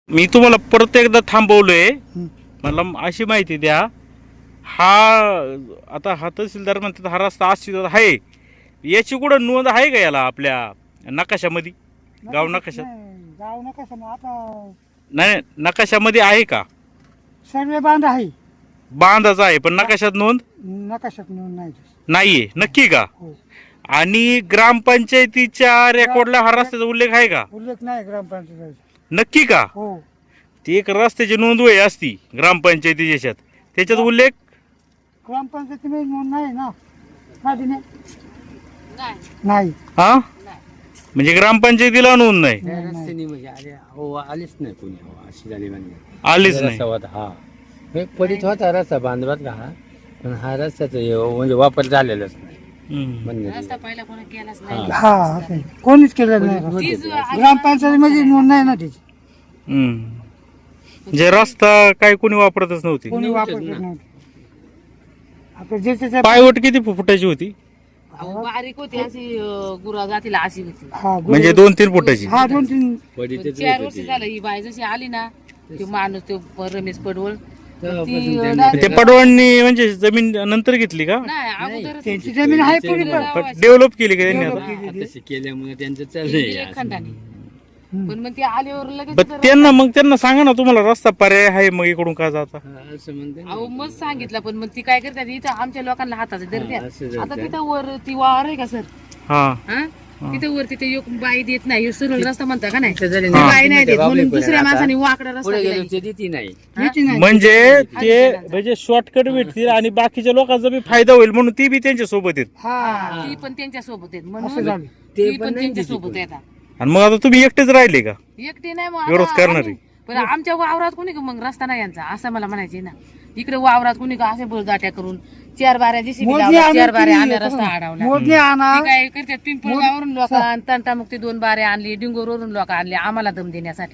मी तुम्हाला परत एकदा थांबवलोय. मला अशी माहिती द्या, हा आता हा तहसीलदार म्हणतात हा रस्ता अस्तित्वात आहे, याची कुठं नोंद आहे का याला आपल्या नकाशामध्ये, गाव नकाशात? गाव नकाशा मग आता नाही, नकाशामध्ये आहे का? सर्वे बांध आहे, बांधाचा आहे पण नकाशात नोंद नकाशात नोंद नाही. नाहीये. नक्की का? हो. आणि ग्रामपंचायतीच्या रेकॉर्डला हा रस्त्याचा उल्लेख आहे का? उल्लेख नाही ग्रामपंचायत. नक्की का? हो. ती एक रस्त्याची नोंद वय असती ग्रामपंचायतीच्या याच्यात, त्याच्यात उल्लेख ग्रामपंचायतीमध्ये नोंद नाही ना. नाही. हा म्हणजे ग्रामपंचायतीला नोंद नाही, रस्त्याने म्हणजे आलेच नाही कोणी, अशी झाली म्हणजे आलीच नाही. हा एक पडीत होता रस्ता बांधवात का हा, पण हा रस्त्याचा म्हणजे वापर झालेलाच नाही. हम्म. पहिला कोणी केलाच नाही. हा असं आहे. कोणीच केलं नाही. ग्रामपंचायतीमध्ये नोंद नाही ना त्याची. जे रस्ता काय कोणी वापरतच नव्हती. कोणी वापरत नव्हतं. आता ज्याच्या पायवट किती फुटाची होती? अहो, बारीक होती अशी, गुरा जातीला अशी होती. हा म्हणजे 2-3 फुटाची. हा 2-3 पडीतच 4 वर्ष झालं ही बाई जशी आली ना, तो माणूस तो रमेश पडवळ ती तेव्हापासून direct- ते पडवळणी म्हणजे जमीन नंतर घेतली का? नाही अगोदर त्यांची जमीन आहे पुढे पण. डेव्हलप केली का त्यांनी आता? तशी केल्यामुळे त्यांचं चाललंय. खंडाने. पण मग ते आल्यावर लगेच पण त्यांना सांगा ना, तुम्हाला रस्ता पर्याय आहे मग इकडून का जाता? हा, असं म्हणते ना. अहो मग सांगितलं, पण मग ती काय करतात इथं आमच्या लोकांना हाताचं हा, धरत्या. असं आता धरत्या. तिथं वर ती वावर आहे का सर? हा हा तिथं वर तिथे एक बाई देत नाही, ह्यो सरळ रस्ता म्हणता का नाही? इथं जरी ती नाही, बाई नाही देत, म्हणून बाबलीपुरा दुसऱ्या आता माणसाने वाकडा रस्ता पुढे दिलाय. गेलो ते देती नाही. घ्यायची नाही. म्हणजे ते शॉर्टकट भेटतील आणि बाकीच्या लोकांचा बी फायदा होईल म्हणून ती बी त्यांच्या सोबत आहेत. हा ती पण त्यांच्या सोबत आहेत असं म्हणून झालं. ती पण त्यांच्या सोबत येतात. आणि मग आता तुम्ही एकटेच राहिले का एकटी नाही मग विरोध आता करणारी? आम्ही- पण आमच्या वावरात कोणी का मग रस्ता नाही यांचा, असं मला म्हणायचे ना. इकडे वावरात कोणी का असे बळदाट्या करून 4 बाऱ्या जेसीबी मोजणी लावल्या, आणून 4 बाऱ्या ती- आणल्या, रस्ता अडवला. मोजणी आणा. ती काय करतात, पिंपळगावरून लोक तंटामुक्ती 2 बाऱ्या आणली, डिंगोरवरून लोक आणले आम्हाला दम देण्यासाठी.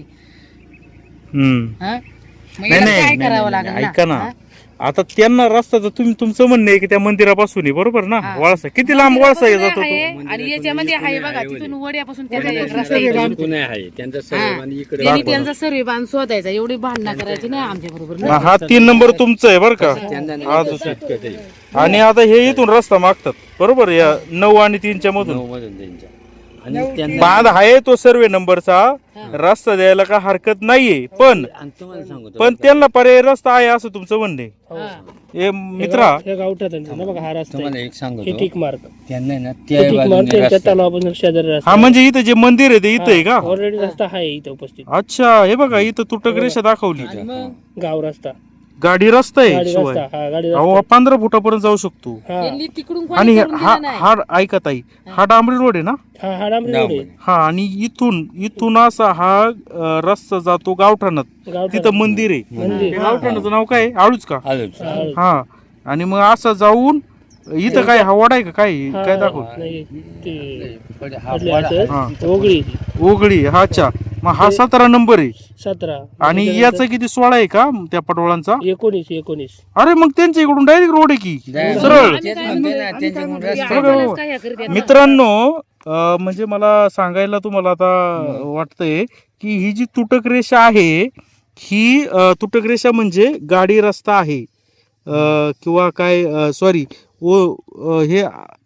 हम्म. हा? मग नाही याला नाही, काय नाही, करावं नाही, लागेल ऐका ना. हा? आता त्यांना रस्ता तर तुमचं म्हणणं आहे की त्या मंदिरापासून आहे, बरोबर ना? हा. वळसा किती लांब वळसा जातो आहे, तो? आणि याच्यामध्ये आहे बघा, तिथून वड्यापासून त्याचा एक रस्ता सर्वे येतो. बांध. पुणे आहे त्यांचा सर्व आणि इकडे त्यांनी त्यांचा सर्वे बांध शोधायचा, एवढी भांडणं करायची नाही आमच्या बरोबर. हा 3 नंबर तुमचं आहे बरं का? त्यांना हा, नाही दुसरं. शॉर्टकट आहे. आणि आता हे इथून रस्ता मागतात बरोबर, या 9 आणि 3च्या मधून. 9 मधून त्यांच्या आणि त्यांना बांध आहे तो सर्वे नंबरचा, रस्ता द्यायला का हरकत नाहीये, पण आणि तुम्हाला सांगतो पण त्यांना पर्याय रस्ता आहे असं तुमचं म्हणणं आहे. हा. हे मित्रा, हे गावठात आहे ना बघा, हा रस्ता तुम्हाला आहे. एक हे सांगतो टिक मार्क त्यांना आहे ना हे त्या टिक मार्क बाजूने त्यांच्या रस्ता आहे. तलावापासून शेजारी रस्ता हा म्हणजे इथं जे मंदिर आहे ते इथं आहे का? ऑलरेडी रस्ता आहे इथं उपस्थित. अच्छा, हे बघा इथं तुटक रेषा दाखवली, आणि मग गाव रस्ता, गाडी रस्ता आहे गाडी शिवाय. रस्ता, हा गाडी अहो रस्ता. 15 फुटापर्यंत जाऊ शकतो. हा त्यांनी तिकडून आणि कोणी करून हा दिलं नाही. हा ऐका ताई, हा डांबरी रोड आहे ना? हा डांबरी रोड आहे. हा, आणि इथून असा हा रस्ता जातो गावठाणात, गावठाण. तिथं मंदिर आहे. मंदिर. ते गावठाणाचं नाव काय आहे? आळूच का? आलोच. हा, आणि मग असं जाऊन इथं काय हा वडा आहे का काय हा, काय दाखव? नाही, ते हा म्हटलं वाडा. असं, हा. ओगळी ओगळी, हा, अच्छा. मग हा 17 नंबर आहे 17 आणि याचा किती 16 आहे का त्या पटोळांचा? 19 अरे मग त्यांच्या इकडून डायरेक्ट रोड आहे की जायला. सरळ. तेच म्हणते ना, त्यांच्याकडून ते रस्ता आपल्यालाच काय हे करतात. मित्रांनो, म्हणजे मला सांगायला तुम्हाला आता वाटतंय की ही जी तुटक रेषा आहे, ही तुटक रेषा म्हणजे गाडी रस्ता आहे, किंवा काय, सॉरी, हे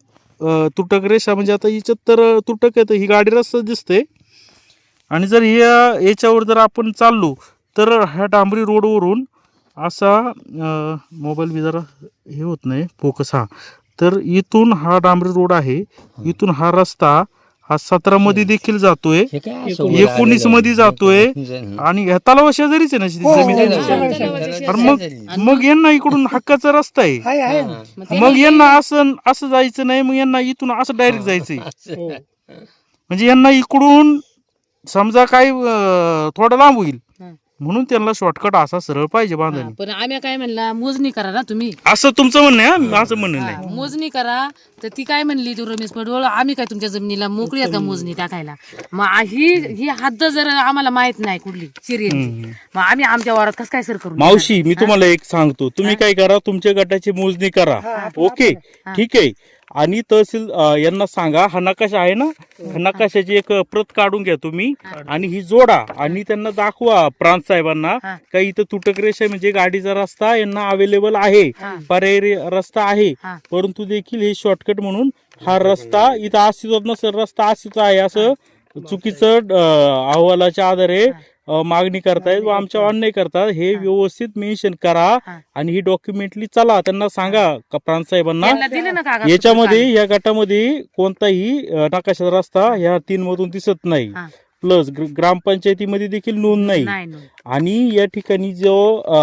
तुटक रेषा म्हणजे आता हिच्यात तर तुटक आहे, तर ही गाडी रस्ता दिसते. आणि जर याच्यावर जर आपण चाललो तर ह्या डांबरी रोडवरून असा, मोबाईल बी जरा हे होत नाही फोकस, हा, तर इथून हा डांबरी रोड आहे, इथून हा रस्ता हा 17 मध्ये देखील जातोय, हे काय असं 19 मध्ये जातोय, आणि ह्या तलावा शेजारीच आहे ना जमीन. हो, तर मग यांना इकडून हक्काचा रस्ता आहे. आहे आहे. मग यांना असं जायचं नाही, मग यांना इथून असं डायरेक्ट जायचंय. हो. म्हणजे यांना इकडून समजा काय थोडं लांब होईल, हं. म्हणून त्यांना शॉर्टकट असा सरळ पाहिजे हा, बांधणी. पण आम्ही काय म्हणला, मोजणी करा ना तुम्ही. असं तुमचं म्हणणं आहे? हा, असं म्हणणं हा, नाही. मोजणी करा. तर ती काय म्हणली, तू रमेश पडवळ, आम्ही काय तुमच्या जमिनीला मोकळी आहे का मोजणी टाकायला? मग ही हद्द जर आम्हाला माहित नाही कुठली सिरियल, मग आम्ही आमच्या वावरात कसं काय सर करू? मावशी, मी तुम्हाला एक सांगतो, तुम्ही काय करा, तुमच्या गटाची मोजणी करा, ओके, ठीक आहे. आणि तहसील यांना सांगा हा नकाशा आहे ना, नकाशाची एक प्रत काढून घ्या तुम्ही आणि ही जोडा आणि त्यांना दाखवा प्रांत साहेबांना हा. का इथं तुटक रेषा म्हणजे गाडीचा रस्ता यांना अवेलेबल आहे, हा. पर्यायी रस्ता आहे, हा. परंतु देखील हे शॉर्टकट म्हणून हा रस्ता इथं अस्तित्वात नसेल, रस्ता अस्तित्व आहे असं चुकीचं अहवालाच्या आधारे मागणी करतायत व आमच्या अन्याय करतात. हे व्यवस्थित मेन्शन करा हा. आणि ही डॉक्युमेंटली चला त्यांना सांगा का प्रांत साहेबांना त्यांना दिले ना कागद याच्यामध्ये या गटामध्ये कोणताही नकाशाचा रस्ता ह्या 3 मधून दिसत नाही. हा. प्लस ग्रामपंचायतीमध्ये देखील नोंद नाही. नाही नोंद. आणि या ठिकाणी जो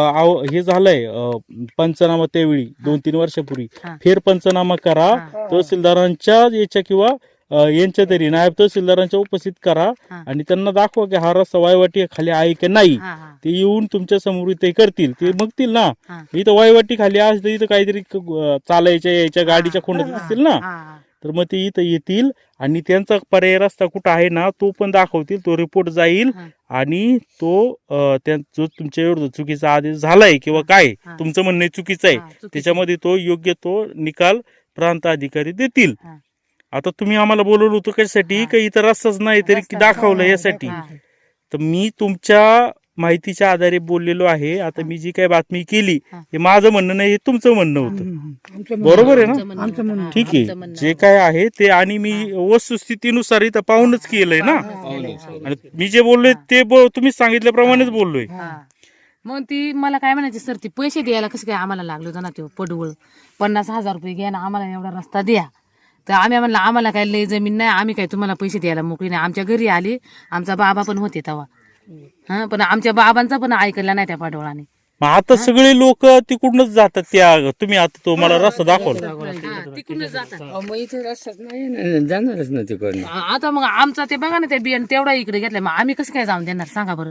हे झालंय पंचनामा त्यावेळी 2-3 वर्षापूर्वी हा. फेर पंचनामा करा, हा. तहसीलदारांच्या याच्या किंवा यांच्या तरी नायब तहसीलदारांच्या उपस्थित करा हा. आणि त्यांना दाखवा की हा रस्ता वायवाटी खाली आहे की नाही. हा, हा. ते येऊन तुमच्या समोर ते करतील, ते बघतील ना हा. इथं वायवाटी खाली असते, इथं काहीतरी चालायच्या यायच्या गाडीच्या खोंडात दिसतील ना, हा, हा. तर मग ते इथं येतील आणि त्यांचा पर्याय रस्ता कुठं आहे ना तो पण दाखवतील, तो रिपोर्ट जाईल हा. आणि तो जो तुमच्या विरुद्ध चुकीचा आदेश झालाय किंवा काय हा. तुमचं म्हणणं चुकीचं आहे हा, चुकीचं. त्याच्यामध्ये तो योग्य तो निकाल प्रांत अधिकारी देतील. हा. आता तुम्ही आम्हाला बोलवलं होतं कशासाठी, हा. का इथं रस्ताच नाही तरी रस्ता दाखवलं नाही. यासाठी. हा. तर मी तुमच्या माहितीच्या आधारे बोललेलो आहे. आता मी जी काही बातमी केली हा. हे माझं म्हणणं नाही, हे तुमचं म्हणणं होतं. आमचं बरोबर आहे ना? आमचं म्हणणं आमचं होतं. म्हणणं. हा, ठीक आमचं आहे, म्हणणं जे होतं. काय आहे ते आणि मी वस्तुस्थितीनुसार इथं पाहूनच केलंय ना. आणि मी जे बोललोय ते तुम्ही सांगितल्याप्रमाणेच बोललोय. हा. मग ती मला काय म्हणायची, सर ती पैसे द्यायला कसं काय आम्हाला लागलो होतं ना, ते पडवळ 50,000 रुपये घ्या ना, आम्हाला एवढा रस्ता द्या. तर आम्ही म्हणलं आम्हाला काय लय जमीन नाही, आम्ही काय तुम्हाला पैसे द्यायला मोकळी नाही. आमच्या घरी आली, आमचा बाबा पण होते तेव्हा, हा, पण आमच्या बाबांचा पण ऐकला नाही त्या पाडवळाने. मग आता सगळे लोक तिकडूनच जातात. त्या तुम्ही आता तो मला रस्ता दाखवला, हा, तिकडूनच जातात. मग इथे रस्ताच नाही ना, जाणारच ना तिकडनं. आता मग आमचा ते बघा ना, त्या बियाण तेवढा इकडे घेतलाय, मग आम्ही कसं काय जाऊन देणार सांगा बरं.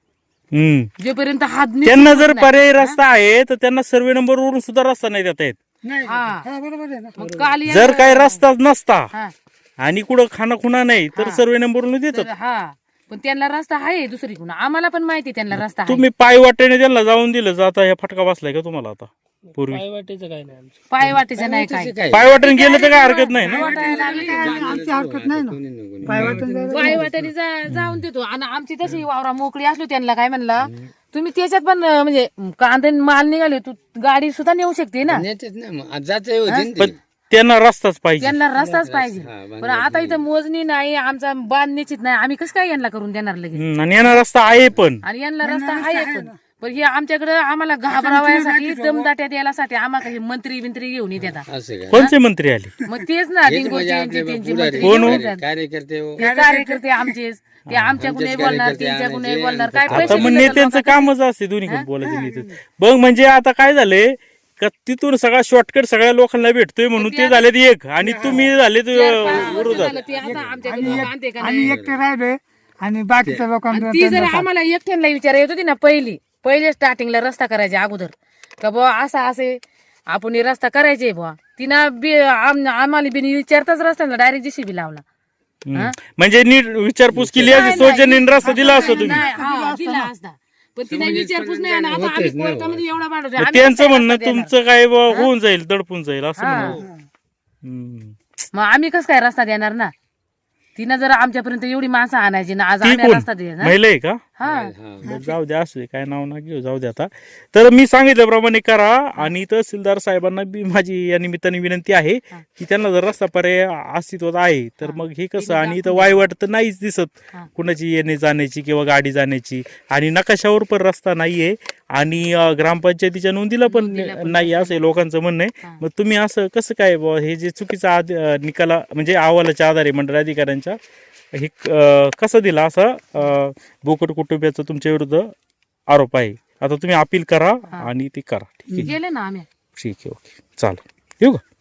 जोपर्यंत हात निघत त्यांना जर नाही. पर्यायी रस्ता आहे तर त्यांना सर्वे नंबर वरून सुद्धा रस्ता नाही देता येत. नाही हा. हा, बरोबर आहे ना. मग काल या- जर काही रस्ताच नसता हा, आणि कुठं खानाखुणा नाही तर हा. सर्वे नंबर वरून देतात. तर हा, पण त्यांना रस्ता आहे दुसरीकडून, आम्हाला पण माहिती त्यांना रस्ता आहे. तुम्ही पाय वाटेने त्यांना जाऊन दिलं, जाता ह्या फटका बसलाय का तुम्हाला आता पूर्वी? पाय वाटेचं काय नाही आमचं. पाय वाटेचं नाही काय. काय पाय वाटेने गेलं तर काय हरकत नाही ना. आमची हरकत नाही ना. पाय वाटून जायला. पाय वाटेने जाऊन देतो. आणि आमची तशी वावरा मोकळी असलो त्यांना काय म्हणला, तुम्ही त्याच्यात पण म्हणजे कांदे माल निघाले, तू गाडी सुद्धा नेऊ शकते ना. नेतेच ना, मग जाते होती ना पण ती. त्यांना रस्ताच पाहिजे. त्यांना रस्ताच पाहिजे. हा, पण आता इथं मोजणी नाही, आमचा बांध निश्चित नाही, आम्ही कसं काय यांना करून देणार लगेच. आणि यांना रस्ता आहे पण. आणि यांना रस्ता आहे पण हे आमच्याकडे आम्हाला घाबरावयासाठी दमदाट्या द्यायसाठी आम्हाला हे मंत्री बिंत्री घेऊन येतात. असं काय कोणते मंत्री आले? मग तेच ना हेच डिंगोचे म्हणजे यांचे आपले त्यांचे पुढारी, मंत्री कोण घेऊन हो? येतात. कार्यकर्ते हो. हे कार्यकर्ते आमचेच, ते आमच्याकडून हे बोलणार, कार्यकर्ते त्यांच्याकडून हे आणायचे, बोलणार. काय आता पैसे आता मग दिले तर नेत्यांचं लोकांना- कामच असते दोन्हीकडे बोलायचं नेते. बघ म्हणजे आता काय झालंय का तिथून सगळा शॉर्टकट सगळ्या लोकांना भेटतोय म्हणून ते झाले एक आणि तुम्ही झाले चार-पाच वर्ष विरोधात. झालं ते आता आमच्याकडे बांधते का आणि नाही. एकटे राहिले आणि बाकीच्या लोकांना ती जर आम्हाला एकट्यांना विचार येत होती ना, पहिले स्टार्टिंगला रस्ता करायच्या अगोदर का बुवा असा असे आपण हे रस्ता करायचे बुवा, तिनं आम्हाला बिन विचारताच रस्त्याला डायरेक्ट JCB लावला. म्हणजे नीट विचारपूस केली असती, सौजन्याने रस्ता दिला असतो तुम्ही. नाही, हा, दिला असता. पण तिने विचारपूस नाही. आणि आता आम्ही कोर्टामध्ये एवढा भांडवतो. मग आम्ही त्यांचं कसं काय म्हणणं रस्ता देणार? तुमचं काय बुवा होऊन जाईल, दडपून जाईल असं हा. म्हणणं. मग आम्ही कसं काय रस्ता देणार ना. तिनं जर आमच्यापर्यंत एवढी माणसं आणायची ना, आज ती आम्ही कोण रस्ता देणार. महिला आहे का? हा, बरं, जाऊ द्या, असू दे, काय नाव ना घेऊ, जाऊ द्या. आता तर मी सांगितल्याप्रमाणे करा. आणि तहसीलदार साहेबांना बी माझी या निमित्ताने विनंती आहे की त्यांना जर रस्ता पर्याय अस्तित्वात आहे तर मग हे कसं, आणि इथं वायवाट तर नाहीच दिसत हा. कुणाची येणे जाण्याची किंवा गाडी जाण्याची, आणि नकाशावर पण रस्ता नाहीये, आणि ग्रामपंचायतीच्या नोंदीला पण नाही असं लोकांचं म्हणणं आहे. हा. मग तुम्ही असं कसं काय बुवा, हे जे चुकीचा निकाला म्हणजे अहवालाच्या आधारे मंडळ अधिकाऱ्यांच्या हे कसं दिला, असा बोकट कुटुंबियाचा तुमच्या विरुद्ध आरोप आहे. आता तुम्ही अपील करा आणि ते करा. ठीक आहे, गेले ना आम्ही. ठीक आहे, ओके, चालेल, येऊ का?